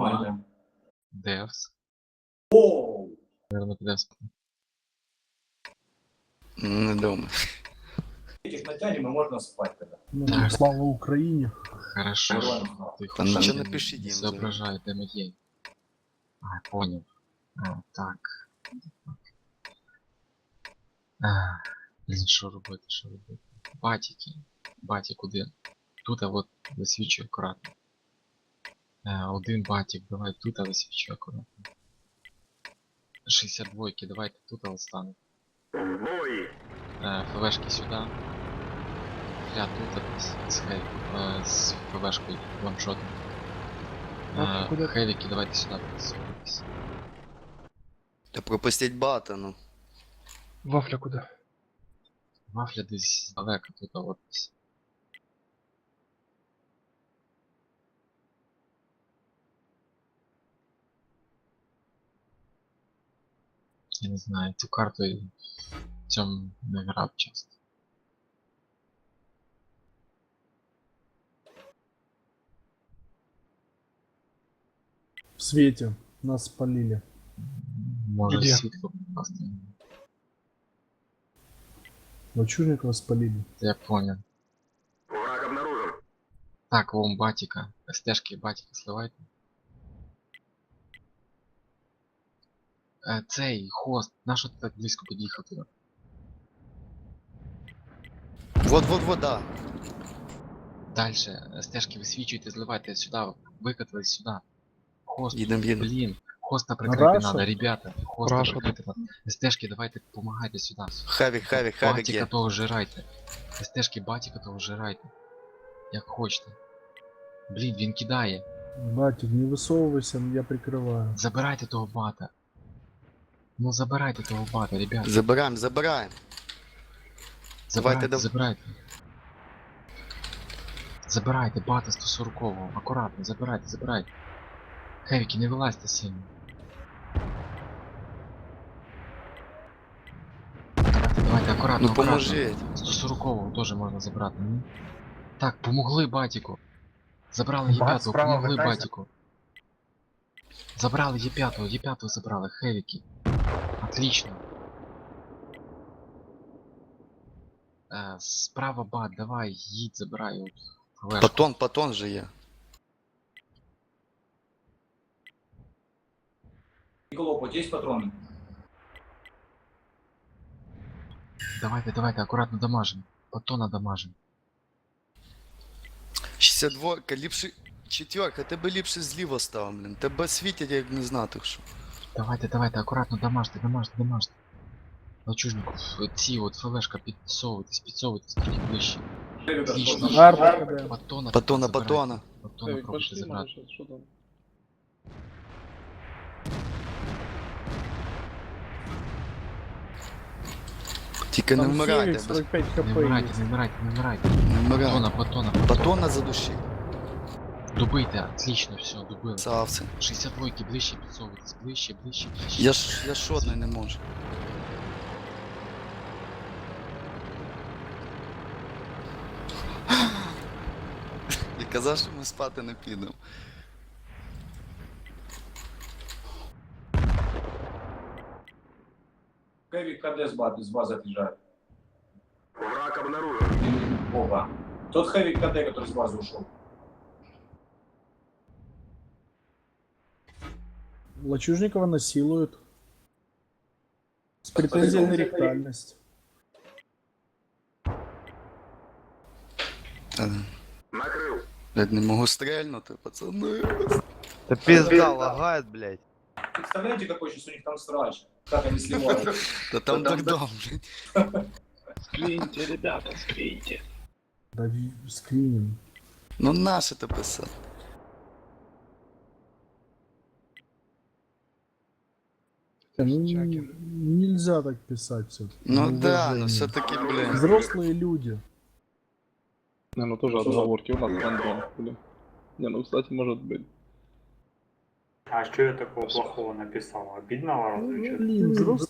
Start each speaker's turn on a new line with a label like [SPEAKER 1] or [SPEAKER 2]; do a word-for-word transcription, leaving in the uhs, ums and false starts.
[SPEAKER 1] Нормально.
[SPEAKER 2] Девс.
[SPEAKER 1] Оу!
[SPEAKER 2] Наверное, Девс.
[SPEAKER 3] Не думаю.
[SPEAKER 1] Этих натянем, и можно спать тогда.
[SPEAKER 4] Ну,
[SPEAKER 2] Так.
[SPEAKER 4] слава Україні.
[SPEAKER 2] Хорошо. Ты
[SPEAKER 3] Там
[SPEAKER 2] хоть
[SPEAKER 3] ничего
[SPEAKER 2] не
[SPEAKER 3] напишите им,
[SPEAKER 2] соображай, дай мне. А, понял. А, так. А, блин, що робити, що робити? Батики. Батик один. Тут, а вот висвічую акуратно. Е, один батик, давай тут, а висвічую акуратно. шістдесят два, давайте тут, а стану. Е, ФВшки сюда. Фля тут, а з, з, хей- е, з ФВшкою ваншотом.
[SPEAKER 4] Так,
[SPEAKER 2] Е,
[SPEAKER 4] куди?
[SPEAKER 2] Хевіки, давайте сюди присунутись.
[SPEAKER 3] Та пропустить бата, ну.
[SPEAKER 4] Вафля куди?
[SPEAKER 2] Вафля десь далеко тут, а от десь. Я не знаю, цю карту я в цьому не грав часто.
[SPEAKER 4] В свете. Нас спалили.
[SPEAKER 2] Може
[SPEAKER 4] Где?
[SPEAKER 2] світло просто.
[SPEAKER 4] Лачужникова спалили.
[SPEAKER 2] Я понял.
[SPEAKER 5] Враг обнаружен.
[SPEAKER 2] Так, вон батика. СТшки батика сливайте. Е, цей хост, на що ти так близько під'їхав туди?
[SPEAKER 3] Вот-вот-вот, да.
[SPEAKER 2] Дальше, СТшки висвічуйте, зливайте сюди, викатились сюди. Хост,
[SPEAKER 3] Їдем, їдем.
[SPEAKER 2] блін, хоста прикрити
[SPEAKER 4] Раша?
[SPEAKER 2] надо, ребята. Хоста
[SPEAKER 4] Раша,
[SPEAKER 2] прикрити надо. СТшки, давайте помагайте сюди.
[SPEAKER 3] Хавік, хавік, хавік
[SPEAKER 2] Батіка
[SPEAKER 3] є.
[SPEAKER 2] того жирайте. СТшки батіка того жирайте. Як хочете. Блін, він кидає.
[SPEAKER 4] Батик, не высовывайся, я прикрываю.
[SPEAKER 2] Забирайте того бата. Ну забирайте того бата, ребят.
[SPEAKER 3] Забираємо, забираємо.
[SPEAKER 2] Забирайте,
[SPEAKER 3] дав-
[SPEAKER 2] забирайте. Забирайте бата сто сорокового. Акуратно, забирайте, забирайте. Хевіки, не вилазьте сильно. Давайте, давайте, акуратно,
[SPEAKER 3] Ну
[SPEAKER 2] акуратно.
[SPEAKER 3] поможіть.
[SPEAKER 2] сто сорокового теж можна забрати. Ну. Так, помогли батіку. Забрали
[SPEAKER 6] Бат
[SPEAKER 2] Є п'ять,
[SPEAKER 6] справа
[SPEAKER 2] помогли
[SPEAKER 6] вертайся.
[SPEAKER 2] батіку. Забрали Є п'ять, Є п'ять забрали, хевіки. Отлично. Е, справа бат, давай, їдь, забирай. От, флешку.
[SPEAKER 3] Патон, патон же є.
[SPEAKER 1] Николоп, вот есть патроны?
[SPEAKER 2] Давайте, давайте, акуратно дамажим. Патона дамажим.
[SPEAKER 3] шістдесят два, ліпше... Четверка, тебе ліпше зліва став, блін. Тебе світять, як не знати що.
[SPEAKER 2] Давайте, давайте, акуратно дамажте, дамажте, дамажте. Лачужнику, ці от флешка, підсовуйтесь, підсовуйтесь, трохи ближче. Отлично.
[SPEAKER 4] Арта КД.
[SPEAKER 2] Патона,
[SPEAKER 3] Патона,
[SPEAKER 2] забирайте.
[SPEAKER 3] патона.
[SPEAKER 2] Патона пробуйте забрати.
[SPEAKER 3] Тільки не
[SPEAKER 4] Там
[SPEAKER 3] вмирайте,
[SPEAKER 4] Хевик
[SPEAKER 3] без...
[SPEAKER 4] сорок пять
[SPEAKER 2] Не
[SPEAKER 4] хп
[SPEAKER 2] вмирайте,
[SPEAKER 4] есть.
[SPEAKER 2] не вмирайте, не вмирайте.
[SPEAKER 3] не
[SPEAKER 2] Патона,
[SPEAKER 3] вмирайте.
[SPEAKER 2] патона,
[SPEAKER 3] Патона за душі.
[SPEAKER 2] Дубийте, отлично, все, дубили.
[SPEAKER 3] Савці.
[SPEAKER 2] шістдесят два ближче підсовуйтесь, ближче, ближче, ближче.
[SPEAKER 3] Я ж, я ж одної не можу. Я казав, що ми спати не підемо.
[SPEAKER 1] Хэви КД с базы, с базы отъезжает.
[SPEAKER 5] Враг обнаружен.
[SPEAKER 1] Оба. Тот Хэви КД, который с базы ушел.
[SPEAKER 4] Лачужникова насилуют. С претензией на ректальность.
[SPEAKER 3] Та,
[SPEAKER 5] Накрыл.
[SPEAKER 3] блядь, не можу стрельнути, пацани.
[SPEAKER 7] Да пизда лагает, блядь.
[SPEAKER 1] Представляете, какой сейчас у них там срач? Как они сливают?
[SPEAKER 3] Та там дагдом, блядь.
[SPEAKER 7] Скриньте, ребята, скриньте.
[SPEAKER 4] Да в- скриним.
[SPEAKER 3] Ну наше це писати.
[SPEAKER 4] Ну, нельзя так писать все.
[SPEAKER 3] Ну да, ну все-таки, блін.
[SPEAKER 4] Взрослые люди.
[SPEAKER 8] Не, ну тоже отговорки у нас рандом были. Не, ну кстати, может быть.
[SPEAKER 6] А что я такого плохого написал? Обидного разве?
[SPEAKER 4] Ну,
[SPEAKER 6] что-то?
[SPEAKER 4] блин, взрослые